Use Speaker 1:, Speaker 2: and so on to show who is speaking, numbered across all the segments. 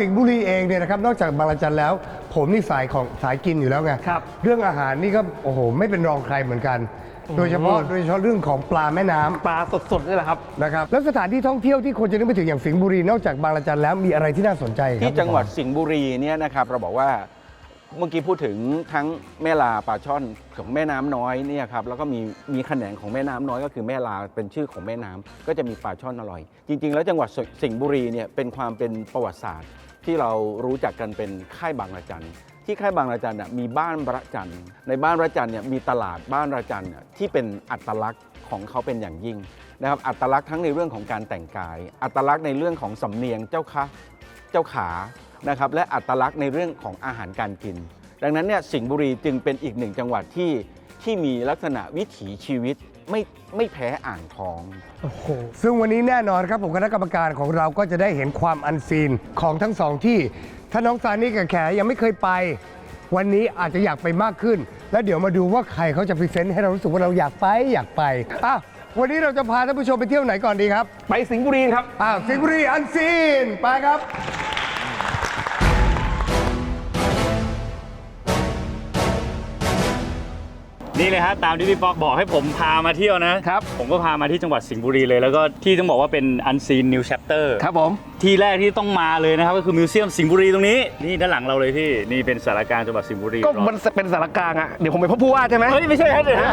Speaker 1: สิงห์บุรีเองเนี่ยนะครับนอกจากบางระจันแล้ว ผมนี่สายกินอยู่แล้วไง
Speaker 2: ครับ
Speaker 1: เรื่องอาหารนี่ก็โอ้โหไม่เป็นรองใครเหมือนกัน โดยเฉพาะเรื่องของปลาแม่น้ำ
Speaker 2: ปลาสดๆนี่แหละครับ
Speaker 1: นะครับแล้วสถานที่ท่องเที่ยวที่คนจะนึกไปถึงอย่างสิงห์บุรีนอกจากบางระจันแล้วมีอะไรที่น่าสนใจครับ
Speaker 3: ที่จังหวัดสิงห์บุรีเนี่ยนะครับเราบอกว่าเมื่อกี้พูดถึงทั้งแม่ลาปลาช่อนของแม่น้ำน้อยเนี่ยครับแล้วก็มีแขนงของแม่น้ำน้อยก็คือแม่ลาเป็นชื่อของแม่น้ำก็จะมีปลาช่อนอร่อย จริง ๆ แล้วจังหวัดสิงห์บุรีเนี่ยเป็นความเป็นประวัติศาสตร์ ที่เรารู้จักกันเป็นค่ายบางระจันที่ค่ายบางระจันน่ะมีบ้านระจันในบ้านระจันเนี่ยมีตลาดบ้านระจันน่ะที่เป็นอัตลักษณ์ของเขาเป็นอย่างยิ่งนะครับอัตลักษณ์ทั้งในเรื่องของการแต่งกาย อัตลักษณ์ในเรื่องของสำเนียงเจ้าขานะครับและอัตลักษณ์ในเรื่องของอาหารการกิน ดังนั้นเนี่ยสิงห์บุรีจึงเป็นอีกหนึ่งจังหวัดที่มีลักษณะวิถีชีวิตไม่แพ้อ่างทอง
Speaker 1: ซึ่งวันนี้แน่นอนครับผมคณะกรรมการของเราก็จะได้เห็นความอันซีนของทั้งสองที่ถ้าน้องซานี่กับแขยังไม่เคยไป วันนี้อาจจะอยากไปมากขึ้น แล้วเดี๋ยวมาดูว่าใครเขาจะพรีเซนต์ให้เรารู้สึกว่าเราอยากไปอ่ะวันนี้เราจะพาท่านผู้ชมไปเที่ยวไหนก่อนดีครับ
Speaker 2: ไปสิงห์บุรีครับ
Speaker 1: สิงห์บุรีอันซีนไปครับ
Speaker 4: นี่เลยฮะตามที่พี่ป๊อกบอกให้ผมพามาเที่ยวนะครับ ผมก็พามาที่จังหวัดสิงห์บุรีเลยแล้วก็ที่ต้องบอกว่าเป็น Unseen New Chapter
Speaker 2: ครับผม
Speaker 4: ที่แรกที่ต้องมาเลยนะครับก็คือมิวเซียมสิงห์บุรีตรงนี้นี่ด้านหลังเราเลยพี่นี่เป็นสารกลางจังหวัดสิงห์บุรี
Speaker 2: ก็มันเป็นสารกลางอ่ะ เดี๋ยวผมไปพบผู้ว่าใช่ไหม
Speaker 4: เฮ้ยไม่ใช่ครับเดี๋ยวนะ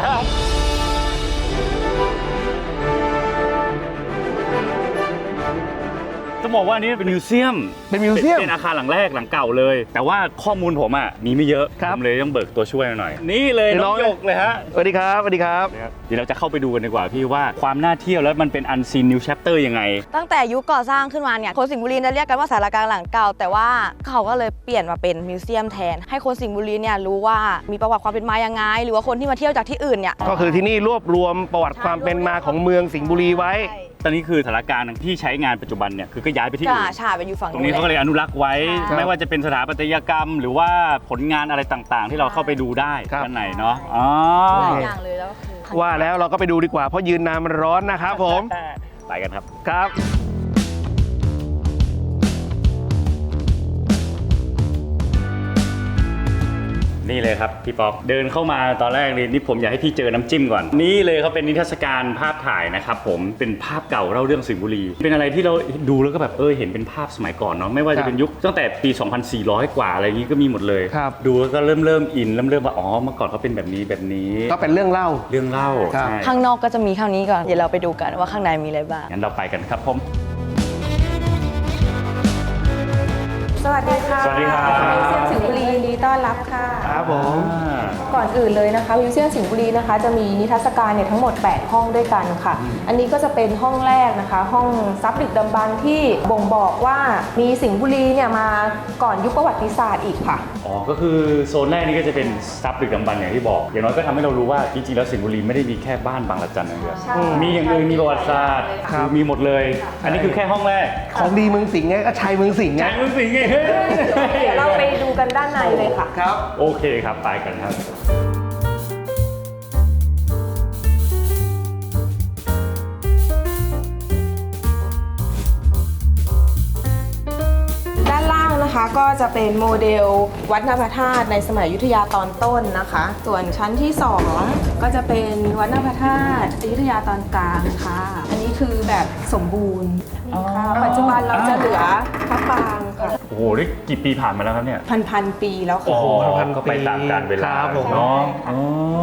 Speaker 4: ต้องบอกว่านี่เป็นมิวเซียม
Speaker 2: เป็นมิวเซียม
Speaker 4: เป็นอาคารหลังแรกหลังเก่าเลย แต่ว่าข้อมูลผมอ่ะมีไม่เยอะ
Speaker 2: ครับ
Speaker 4: ผมเลยต้องเบิกตัวช่วยมาหน่อย นี่เลย
Speaker 2: เดี๋ยว
Speaker 4: น้อง
Speaker 2: น้อง
Speaker 4: หยกเลยฮะ
Speaker 2: สวัสดีครับสวัสดีครับ
Speaker 4: เดี๋ยวเราจะเข้าไปดูกันดีกว่าพี่ว่าความน่าเที่ยวแล้วมันเป็น Unseen New Chapter ยังไง
Speaker 5: ตั้งแต่ยุคก่อสร้างขึ้นมาเนี่ยคนสิงห์บุรีจะเรียกกันว่าสารกลางหลังเก่า แต่ว่าเขาก็เลยเปลี่ยนมาเป็นมิวเซียมแทน ให้คนสิงห์บุรีเนี่ยรู้ว่ามีประวัติความเป็นมายังไง หรือว่าคนที่มาเที่ยวจากที่อื่นเนี่ย
Speaker 2: ก็คือที่นี่รวบรวมประวัติความเป็นมาของเมืองสิงห์บุรีไว้
Speaker 4: ตอนนี้คือสถานการณ์ที่ใช้งานปัจจุบันเนี่ยคือก็ย้ายไปที่
Speaker 5: จ่า
Speaker 4: อื่น
Speaker 5: ฉาไปอยู่ฝั่ง
Speaker 4: ตรงนี้เขาก็เลยอนุรักษ์ไว้
Speaker 5: ใช่
Speaker 4: ไม่ว่าจะเป็นสถาปัตยกรรม หรือว่าผลงานอะไรต่างๆ ที่เราเข้าไปดูได้
Speaker 2: ครับ
Speaker 4: ด้านในเนาะอ๋อ
Speaker 5: หลายอย่างเลยแล้วก็คือ
Speaker 2: ว่าแล้วเราก็ไปดูดีกว่าเพราะยืนนานมันร้อนนะครับผม
Speaker 4: ไปกันครับ
Speaker 2: ครับ
Speaker 4: นี่เลยครับพี่ป๊อปเดินเข้ามาตอนแรกนี่ผมอยากให้พี่เจอน้ำจิ้มก่อนนี่เลยเขาเป็นนิทรรศการภาพถ่ายนะครับผมเป็นภาพเก่าเล่าเรื่องสิงห์บุรีเป็นอะไรที่เราดูแล้วก็แบบเห็นเป็นภาพสมัยก่อนเนาะไม่ว่าจะเป็นยุคตั้งแต่ปี 2400 กว่าอะไรอย่างนี้ก็มีหมดเลย
Speaker 2: ครับ
Speaker 4: ดูแล้วก็เริ่มอินเริ่มว่าอ๋อเมื่อก่อนเขาเป็นแบบนี้
Speaker 2: ก็เป็นเรื่องเล่า
Speaker 4: เรื่องเล่า
Speaker 2: ครับ
Speaker 4: ใช่
Speaker 5: ข้างนอกก็จะมีเท่านี้ก่อน เดี๋ยวเราไปดูกันว่าข้างในมีอะไรบ้าง
Speaker 4: งั้นเราไปกันครับผม
Speaker 6: สวัสดีค่ะ
Speaker 4: สวัสดีครับ
Speaker 6: มิวเซียมสิงห์บุรียินดีต้อนรับค่ะ
Speaker 2: ครับผม
Speaker 6: ก่อนอื่นเลยนะคะมิวเซียมสิงห์บุรีนะคะจะมีนิทรรศการเนี่ยทั้งหมด 8 ห้องด้วยกันค่ะ อันนี้ก็จะเป็นห้องแรกนะคะ ห้องทรัพย์ดึกดำบรรพ์ที่บ่งบอกว่ามีสิงห์บุรีเนี่ยมาก่อนยุคประวัติศาสตร์อีกค่ะ
Speaker 4: อ๋อก็คือโซนแรกนี่ก็จะเป็นทรัพย์ดึกดำบรรพ์อย่างที่บอกอย่างน้อยก็ทำให้เรารู้ว่าจริงๆแล้วสิงห์บุรีไม่ได้มีแค่บ้านบางระจันอย่างเดียว
Speaker 6: ใช่
Speaker 4: มีอย่างอื่นมีประวัติศาสตร์
Speaker 2: ครับ
Speaker 4: มีหมดเลย อันนี้คือแค่ห้องแรก
Speaker 2: ของดีเมืองสิงห์ไงก็ชัยเมืองสิงห์ไง
Speaker 4: ใช่มึงสิงไง
Speaker 6: เดี๋ยวเราไปดูกันด้านในเลยค่ะ
Speaker 2: ครับ
Speaker 4: โอเคครับไปกันครับ
Speaker 6: ด้านล่างนะคะก็จะเป็นโมเดลวัดนภธาตุในสมัยอยุธยาตอนต้นนะคะ ส่วนชั้นที่ 2 ก็จะเป็นวัดนภธาตุอยุธยาตอนกลางค่ะ อันนี้คือแบบสมบูรณ์ค่ะปัจจุบันเราจะเหลือพระปรางค่ะ
Speaker 4: โอ้โหนี่กี่ปีผ่านมาแล้วครับเนี่ย
Speaker 6: พันปีแล้วค่ะ
Speaker 2: พันๆ
Speaker 4: ก็ไปตามกาลเวลา
Speaker 2: ครับผม
Speaker 4: เนาะอ๋อ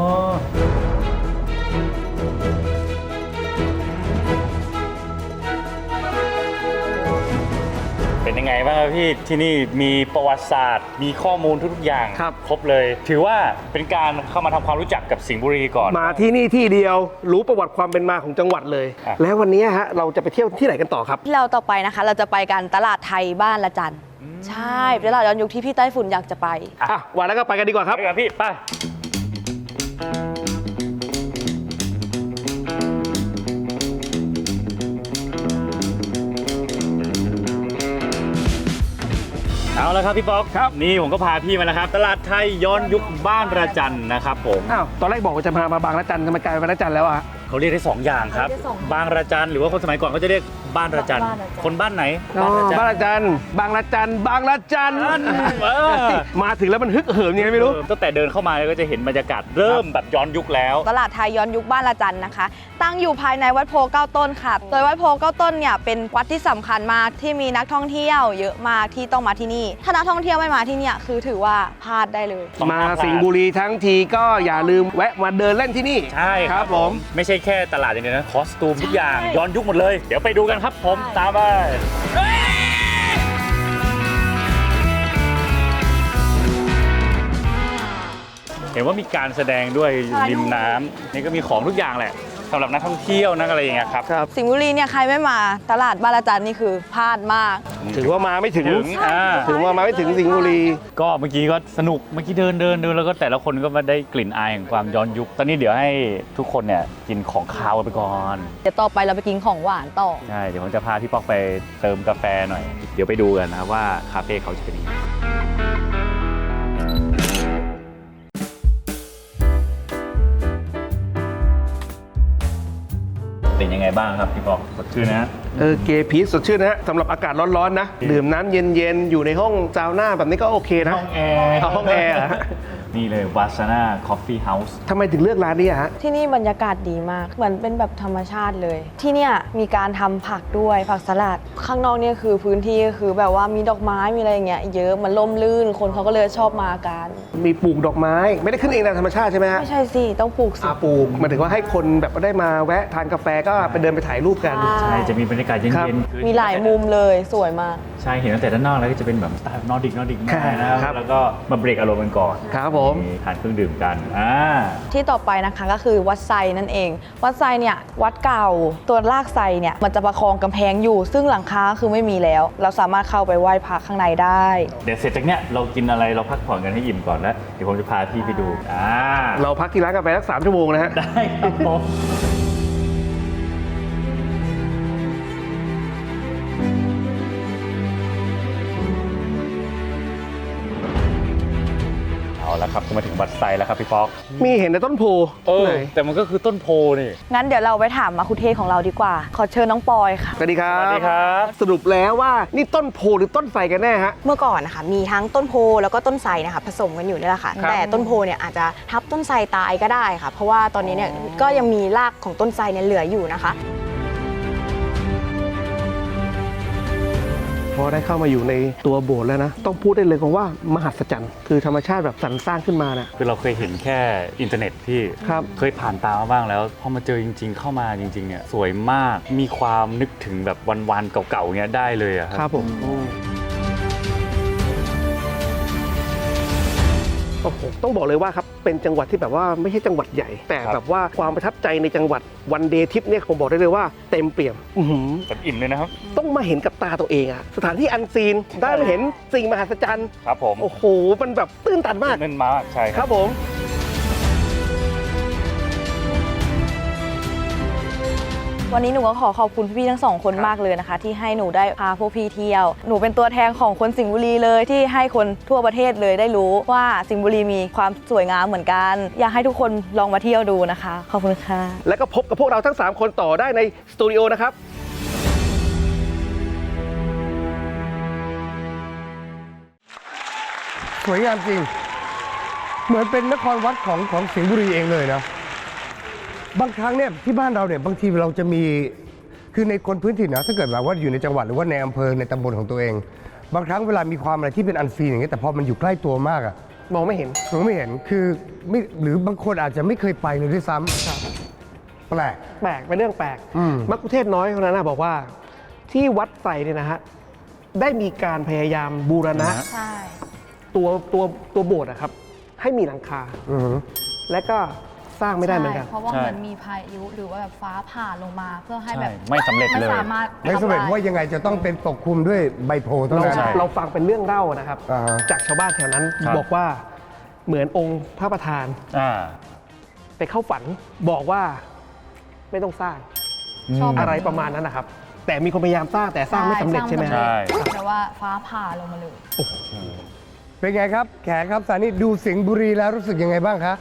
Speaker 4: เป็นยังไงบ้างครับพี่ที่นี่มีประวัติศาสตร์ มีข้อมูลทุกๆอย่าง
Speaker 2: ครับ
Speaker 4: ครบเลย ถือว่าเป็นการเข้ามาทำความรู้จักกับสิงห์บุรีก่อน
Speaker 2: มาที่นี่ที่เดียวรู้ประวัติความเป็นมาของจังหวัดเลย
Speaker 4: อ่ะ
Speaker 2: แล้ววันนี้ฮะเราจะไปเที่ยวที่ไหนกันต่อครับ
Speaker 5: ที่เราต่อไปนะคะ เราจะไปกันตลาดไทยบ้านละจันใช่เป็นตลาดย้อนยุคที่พี่ไต้ฝุ่นอยากจะไป
Speaker 2: อ่ะวันแล้วก็ไปกันดีกว่าครับ
Speaker 4: ไปกันพี่ไปเอาละครับพี่ป๊อกครับนี่ผมก็พาพี่มาแล้วครับ ตลาดไทยย้อนยุคบ้านระจันนะครับผม
Speaker 2: อ้าว ตอนแรกบอกว่าจะมาบางระจันทำไมกลายเป็นระจันแล้วอ่ะ
Speaker 4: เขาเรียกได้2อย่างครับ
Speaker 5: เขาเรียกได้สองอย่าง
Speaker 4: บางระจันหรือว่าคนสมัยก่อนก็จะเรียกบ้านระจัน
Speaker 5: บ้านระจัน
Speaker 4: คนบ้านไหน
Speaker 2: อ๋อบ้านละจันบางละจันบางละจัน
Speaker 4: เออ
Speaker 2: มาถึงแล้วมันฮึกเหิมยังไงไม่รู้
Speaker 4: ตั้งแต่เดินเข้ามาก็จะเห็นบรรยากาศเริ่มแบบย้อนยุคแล้ว
Speaker 5: ตลาดไทยย้อนยุคบ้านละจันนะคะ ตั้งอยู่ภายในวัดโพเก้าต้นค่ะ โดยวัดโพเก้าต้นเนี่ยเป็นวัดที่สำคัญมากที่มีนักท่องเที่ยวเยอะมากที่ต้องมาที่นี่ ถ้านักท่องเที่ยวไม่มาที่เนี่ยคือถือว่าพลาดได้เลย
Speaker 2: มาสิงห์บุรีทั้งทีก็อย่าลืมแวะมาเดินเล่นที่นี่
Speaker 4: ใช่ครับ
Speaker 2: ผม
Speaker 4: ไม่ใช่แค่ตลาดอย่างเดียวนะคอสตูมทุกอย่าง
Speaker 5: ใช่
Speaker 4: ย้อนยุคหมดเลย เดี๋ยวไปดูกันครับผมตามไปเห็นว่ามีการแสดงด้วยอยู่ริมน้ำนี่ก็มีของทุกอย่างแหละสำหรับนักท่องเที่ยวนักอะไรอย่างเงี้ยครับ
Speaker 2: ครับ
Speaker 5: สิงห์บุรีเนี่ยใครไม่มาตลาดบ้านละจันนี่คือพลาดมาก
Speaker 2: ถือว่ามาไม่ถึง
Speaker 4: ถึง
Speaker 2: ว่ามาไม่ถึงสิงห์บุรี
Speaker 4: ก็เมื่อกี้ก็สนุกเมื่อกี้เดินแล้วก็แต่ละคนก็มาได้กลิ่นอายแห่งความย้อนยุค ตอนนี้เดี๋ยวให้ทุกคนเนี่ยกินของคาวไปก่อน
Speaker 5: เดี๋ยวต่อไปเราไปกินของหวานต่อ
Speaker 4: ใช่ เดี๋ยวผมจะพาพี่ป๊อกไปเติมกาแฟหน่อย เดี๋ยวไปดูกันนะครับว่าคาเฟ่เขาจะเป็นยังไงเป็นยังไงบ้างครับพี่ป๊อกสดชื่นนะ
Speaker 2: เกพีชสดชื่นนะฮะสำหรับอากาศร้อนๆนะ ดื่มน้ำเย็นๆ อยู่ในห้องซาวน่าแบบนี้ก็โอเคนะ
Speaker 4: ห้องแอร์
Speaker 2: เอาห้องแอร์เหรอฮะ
Speaker 4: นี่เลยวาสนาคอฟฟี่เฮาส์
Speaker 2: ทำไมถึงเลือกร้านนี้อะฮะ
Speaker 5: ที่นี่บรรยากาศดีมาก เหมือนเป็นแบบธรรมชาติเลย ที่เนี่ยมีการทำผักด้วยผักสลัด ข้างนอกเนี่ยคือพื้นที่ก็คือแบบว่ามีดอกไม้มีอะไรอย่างเงี้ยเยอะมันร่มรื่นคนเขาก็เลยชอบมากัน
Speaker 2: มีปลูกดอกไม้ ไม่ได้ขึ้นเองตามธรรมชาติใช่ไหมฮะ
Speaker 5: ไม่ใช่สิต้องปลูกสิ
Speaker 2: ปลูกหมายถึงว่าให้คนแบบได้มาแวะทานกาแฟก็ไปเดินไปถ่ายรูปกัน
Speaker 4: ใช่ จะมีบรรยากาศเย็
Speaker 2: ครับ
Speaker 4: นๆ
Speaker 5: มีหลายมุมเลยสวยมาก
Speaker 4: ใช่ เห็นตั้งแต่ด้านนอกแล้วก็จะเป็นแบบสไตล์นอร์ดิกมากนะครับ แล้วก็มาเบรกอารมณ์กันก่อน
Speaker 2: ครับผม
Speaker 4: มีทานเครื่องดื่มกัน
Speaker 5: ที่ต่อไปนะคะก็คือวัดไซนั่นเอง วัดไซเนี่ยวัดเก่าตัวรากไซเนี่ยมันจะประคองกำแพงอยู่ ซึ่งหลังคาคือไม่มีแล้ว เราสามารถเข้าไปไหว้พระข้างในได้
Speaker 4: เดี๋ยวเสร็จจากเนี้ยเรากินอะไรเราพักผ่อนกันให้อิ่มก่อนแล้วเดี๋ยวผมจะพาพี่ไปดู
Speaker 2: เราพักที่ร้านกาแฟสัก3 ชั่วโมงนะฮะ
Speaker 4: ได้ครับผมเอาละครับก็มาถึงวัดไซแล้วครับพี่ป๊อก
Speaker 2: มีเห็นในต้นโพไหน
Speaker 4: แต่มันก็คือต้นโพนี่
Speaker 5: งั้นเดี๋ยวเราไปถามมาคุเทศของเราดีกว่า ขอเชิญน้องปอยค่ะ
Speaker 2: สวัสดีครับ
Speaker 4: สวัสดีครับ
Speaker 2: สรุปแล้วว่านี่ต้นโพหรือต้นไทรกันแน่ฮะ
Speaker 7: เมื่อก่อนนะคะมีทั้งต้นโพแล้วก็ต้นไทรนะคะผสมกันอยู่นี่แหละค่ะ
Speaker 2: ครับ
Speaker 7: แต่ต้นโพเนี่ยอาจจะทับต้นไทรตายก็ได้ค่ะ เพราะว่าตอนนี้เนี่ยก็ยังมีรากของต้นไทรเนี่ยเหลืออยู่นะคะ
Speaker 2: พอได้เข้ามาอยู่ในตัวโบสถ์แล้วนะ ต้องพูดได้เลยว่ามหัศจรรย์คือธรรมชาติแบบสรรสร้างขึ้นมานะ
Speaker 4: คือเราเคยเห็นแค่อินเทอร์เน็ตที่
Speaker 2: ครับ
Speaker 4: เคยผ่านตามาบ้างแล้วพอมาเจอจริง ๆ เข้ามาจริงๆเนี่ยสวยมากมีความนึกถึงแบบวันๆเก่าๆเงี้ยได้เลยอะ
Speaker 2: ครับผมโอ้โหต้องบอกเลยว่าครับเป็นจังหวัดที่แบบว่าไม่ใช่จังหวัดใหญ่ แต่แบบว่าความประทับใจในจังหวัดวันเดย์ทริปเนี่ยผมบอกได้เลยว่าเต็มเปี่ยมอื้อหือ
Speaker 4: แบบอิ่มเลยนะครับ
Speaker 2: ต้องมาเห็นกับตาตัวเองอะสถานที่อันซีนได้มาเห็นสิ่งมหัศจรรย์
Speaker 4: ครับผม
Speaker 2: โอ้โหมันแบบตื้นตันมาก
Speaker 4: เน้นมากใช่ค
Speaker 2: ค
Speaker 4: รั
Speaker 2: รับ บผม
Speaker 5: วันนี้หนูก็ขอขอบคุณพี่ๆทั้งสองคนมากเลยนะคะ ที่ให้หนูได้พาพวกพี่เที่ยว หนูเป็นตัวแทนของคนสิงห์บุรีเลยที่ให้คนทั่วประเทศเลยได้รู้ว่าสิงห์บุรีมีความสวยงามเหมือนกัน อยากให้ทุกคนลองมาเที่ยวดูนะคะ ขอบคุณค่ะ
Speaker 2: แล้วก็พบกับพวกเราทั้ง 3 คนต่อได้ในสตูดิโอนะครับ
Speaker 1: สวยงามจริง เหมือนเป็นนครวัดของสิงห์บุรีเองเลยนะ บางครั้งเนี่ยที่บ้านเราเนี่ยบางทีเราจะมีคือในคนพื้นถิ่นนะถ้าเกิดแบบว่าอยู่ในจังหวัดหรือว่าในอำเภอในตำบลของตัวเอง บางครั้งเวลามีความอะไรที่เป็นอันซีนอย่างเงี้ยแต่พอมันอยู่ใกล้ตัวมากอะ
Speaker 2: มองไม่เห็น
Speaker 1: เราไม่เห็นคือไม่หรือบางคนอาจจะไม่เคยไปเลยด้วยซ้ำแปลก
Speaker 2: แปลกเป็นเรื่องแปลก
Speaker 1: อืม
Speaker 2: มักคุเทศน้อยคนนั้นนะบอกว่าที่วัดไสเนี่ยนะฮะได้มีการพยายามบูรณะ
Speaker 5: ใช่
Speaker 2: ตัวโบสถ์นะครับ ให้มีหลังคา
Speaker 1: อือหือ
Speaker 2: และก็สร้างไม่ได้เหมือนกัน
Speaker 8: เพราะว่า
Speaker 4: ใช่
Speaker 8: เหมือนมีพายุหรือว่าแบบฟ้าผ่าลงมาเพื่อให้แบบ
Speaker 4: ใช่ไม่สำเร็จเลย
Speaker 8: ไม่สามารถ
Speaker 1: ไม่สำเร็จ
Speaker 8: ทำลย
Speaker 1: ว่ายังไงจะต้องเป็นปกคลุมด้วยใบโพธิ์เท่า
Speaker 2: เรา
Speaker 1: นั้น
Speaker 4: ใช่
Speaker 2: เราฟังเป็นเรื่องเล่านะครับ
Speaker 1: อ่าฮะ
Speaker 2: จากชาวบ้านแถวนั้น
Speaker 4: ครับ
Speaker 2: บอกว่าเหมือนองค์พระประธาน
Speaker 4: อ่า
Speaker 2: ไปเข้าฝันบอกว่าไม่ต้องสร้าง
Speaker 8: ชอบ
Speaker 2: อะไรประมาณนั้นนะครับ แต่มีคนพยายามสร้างแต่สร้างไม่สำเร็จใช่ไหม
Speaker 8: ส
Speaker 2: ฮะ
Speaker 8: ร้างแต่ว่าฟ้าผ่าลงมาเลย
Speaker 1: เป็นไงครับ แขกครับสานี่ดูสิงห์บุรีแล้วรู้สึกยังไงบ้างคะ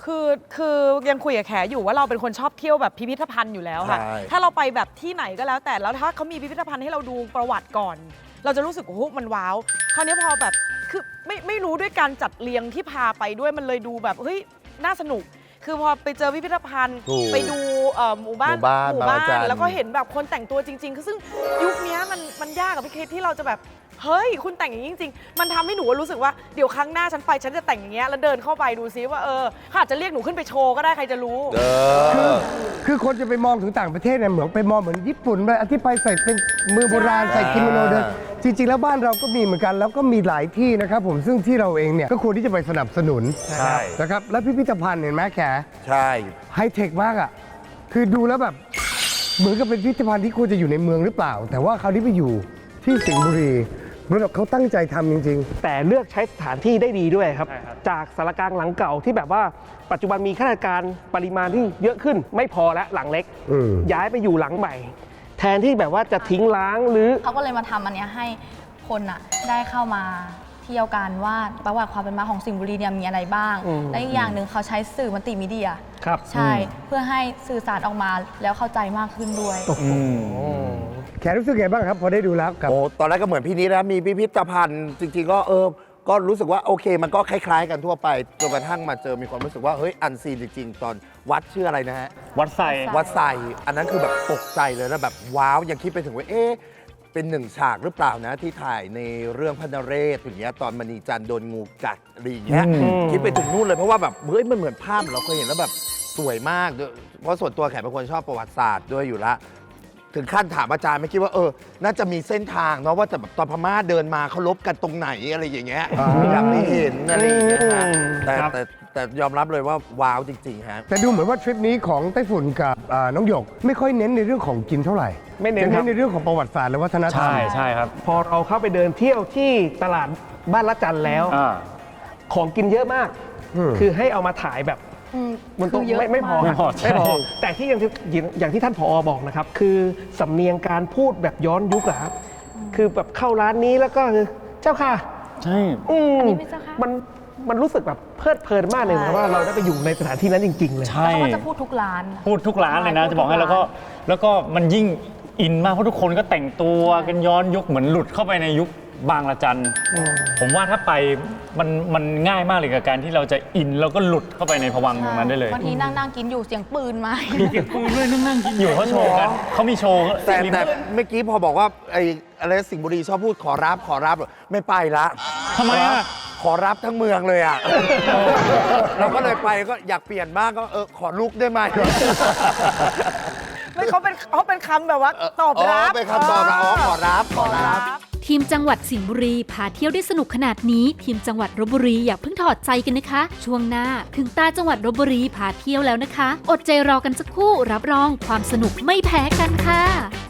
Speaker 9: คือยังคุยกับแขอยู่ว่าเราเป็นคนชอบเที่ยวแบบพิพิธภัณฑ์อยู่แล้วค่ะ
Speaker 10: ใช่
Speaker 9: ถ้าเราไปแบบที่ไหนก็แล้วแต่แล้วถ้าเขามีพิพิธภัณฑ์ให้เราดูประวัติก่อน เราจะรู้สึกโอ้โหมันว้าวคราวนี้พอแบบคือไม่รู้ด้วยการจัดเรียงที่พาไปด้วยมันเลยดูแบบเฮ้ยน่าสนุก คือพอไปเจอพิพิธภัณฑ์
Speaker 10: ถูก
Speaker 9: ไปดูหมู่บ้าน
Speaker 10: หมู่บ้านบางระจัน
Speaker 9: แล้วก็เห็นแบบคนแต่งตัวจริงๆคือซึ่งยุคนี้มันยากกับพี่เคสที่เราจะแบบเฮ้ยคุณแต่งอย่างนี้จริงๆมันทำให้หนูรู้สึกว่าเดี๋ยวครั้งหน้าฉันไปฉันจะแต่งอย่างเงี้ยแล้วเดินเข้าไปดูซิว่าเขาอาจจะเรียกหนูขึ้นไปโชว์ก็ได้ใครจะรู้
Speaker 1: คือคนจะไปมองถึงต่างประเทศเนี่ยเหมือนไปมองเหมือนญี่ปุ่นไปที่ไปใส่เป็นมือโบราณใส่กิโมโนเดินจริงๆแล้วบ้านเราก็มีเหมือนกันแล้วก็มีหลายที่นะครับผมซึ่งที่เราเองเนี่ยก็ควรที่จะไปสนับสนุน
Speaker 10: ใช่
Speaker 1: นะครับแล้วพิพิธภัณฑ์เห็นไหมแข
Speaker 10: ใช่
Speaker 1: ไฮเทคมากอ่ะคือดูแล้วแบบเหมือนกับเป็นพิพิธภัณฑ์ที่ควรจะอยู่ในเมืองหรือเปล่า แต่ว่าคราวนี้ไปอยู่ที่สิงห์บุรีเหมือนกับเขาตั้งใจทำจริง
Speaker 2: แต่เลือกใช้สถานที่ได้ดีด้วยครับ จากสารกลางหลังเก่าที่แบบว่าปัจจุบันมีข้าราชการปริมาณที่เยอะขึ้นไม่พอแล้วหลังเล็ก ย้ายไปอยู่หลังใหม่ แทนที่แบบว่าจะทิ้งล้างหรือ
Speaker 8: เขาก็เลยมาทำอันเนี้ยให้คนอะได้เข้ามาเที่ยวกันว่าประวัติความเป็นมาของสิงห์บุรีเนี่ยมีอะไรบ้าง และอีกอย่างหนึ่งเขาใช้สื่อมัลติมีเดีย
Speaker 2: ครับ
Speaker 8: ใช่เพื่อให้สื่อสารออกมาแล้วเข้าใจมากขึ้นด้วย
Speaker 1: ๆ แขรู้สึกไงบ้างครับพอได้ดูแล้วกับ
Speaker 10: โอ้ตอนแรกก็เหมือนพี่นิดนะมีพิพิธภัณฑ์จริงๆก็ก็รู้สึกว่าโอเค มันก็คล้ายๆกันทั่วไปจนกระทั่งมาเจอมีความรู้สึกว่าเฮ้ยอันซีนจริงๆ ตอนวัดชื่ออะไรนะฮะ
Speaker 4: วัดไซ
Speaker 10: วัดไซอันนั้นคือแบบตกใจเลยแล้วแบบว้าวยังคิดไปถึงว่าเป็นหนึ่งฉากหรือเปล่านะที่ถ่ายในเรื่องพระนเรศอย่างเงี้ยตอนมณีจันทร์โดนงูกัดอะไรอย่างเงี้ยคิดไปถึงนู่นเลยเพราะว่าแบบเฮ้ยมันเหมือนภาพเราเคยเห็นแล้วแบบสวยมากด้วยเพราะส่วนตัวแขกเป็นคนชอบประวัติศาสตร์ด้วยอยู่ละถึงขั้นถามอาจารย์ไม่คิดว่าน่าจะมีเส้นทางเนาะว่าแต่แบบตอนพม่าเดินมาเขาลบกันตรงไหนอะไรอย่างเงี้ยอยากไม่เห็นอะไรอย่างเงี้ยฮะแต่ยอมรับเลยว่าว้าวจริงๆฮะ
Speaker 1: แต่ดูเหมือนว่าทริปนี้ของไต้ฝุ่นกับน้องหยก ไม่ค่อยเน้นในเรื่องของกินเท่าไหร่
Speaker 2: ไม่เน้น
Speaker 1: จะ
Speaker 2: ครับ
Speaker 1: ในเรื่องของประวัติศาสตร์และวัฒนธรรม
Speaker 4: ใช่ครับ
Speaker 2: พอเราเข้าไปเดินเที่ยวที่ตลาดบ้านละจันแล้ว ของกินเยอะมาก คือให้เอามาถ่ายแบบมันต้อง
Speaker 8: คือเยอะ
Speaker 2: ไม่พอ
Speaker 8: มาก
Speaker 2: ครับไม่พอ แต่ที่อย่างที่ท่านผอบอกนะครับ คือสำเนียงการพูดแบบย้อนยุคอะครับ คือแบบเข้าร้านนี้แล้วก็คือเจ้าค่ะ
Speaker 4: ใช่
Speaker 8: อันนี้ไม่เจ้าค่ะ
Speaker 2: มันรู้สึกแบบเพลิดเพลินมากเลยนะว่าเราได้ไปอยู่ในสถานที่นั้นจริง ๆ เลย
Speaker 4: ใช่
Speaker 8: แล้วเขาก็จะพูดทุกร้าน
Speaker 4: พูดทุกร้านเลยนะ
Speaker 8: ใช่
Speaker 4: จะบอกให้
Speaker 8: พูดทุก
Speaker 4: แล้วก็มันยิ่งอินมากเพราะทุกคนก็แต่งตัวกันย้อนยุคเหมือนหลุดเข้าไปในยุคบางละจันผมว่าถ้าไปมันง่ายมากเลยกับการที่เราจะอินแล้วก็หลุดเข้าไปในภวังค์ตรงนั้นได้เลย
Speaker 8: บางทีนั่งกินอยู่เสียงปืนมา
Speaker 4: เก็บปืนด้วยนั่งกินอยู่เขาโชว์กันเขามีโชว์
Speaker 10: แต่เมื่อกี้พอบอกว่าไอ้อะไรสิงห์บุรีชอบพูดขอรับไม่ไปละ
Speaker 4: ทำไมอ่ะ
Speaker 10: ขอรับทั้งเมืองเลยอ่ะ เราก็เลยไปก็อยากเปลี่ยนบ้างก็ขอลุกได้ไหม
Speaker 9: ไม่เขาเป็นคำแบบว่าตอบรับ
Speaker 10: เป็นคำตอบรับขอรับ
Speaker 11: ทีมจังหวัดสิงห์บุรีพาเที่ยวได้สนุกขนาดนี้ ทีมจังหวัดลพบุรีอย่าเพิ่งถอดใจกันนะคะ ช่วงหน้าถึงตาจังหวัดลพบุรีพาเที่ยวแล้วนะคะ อดใจรอกันสักครู่รับรองความสนุกไม่แพ้กันค่ะ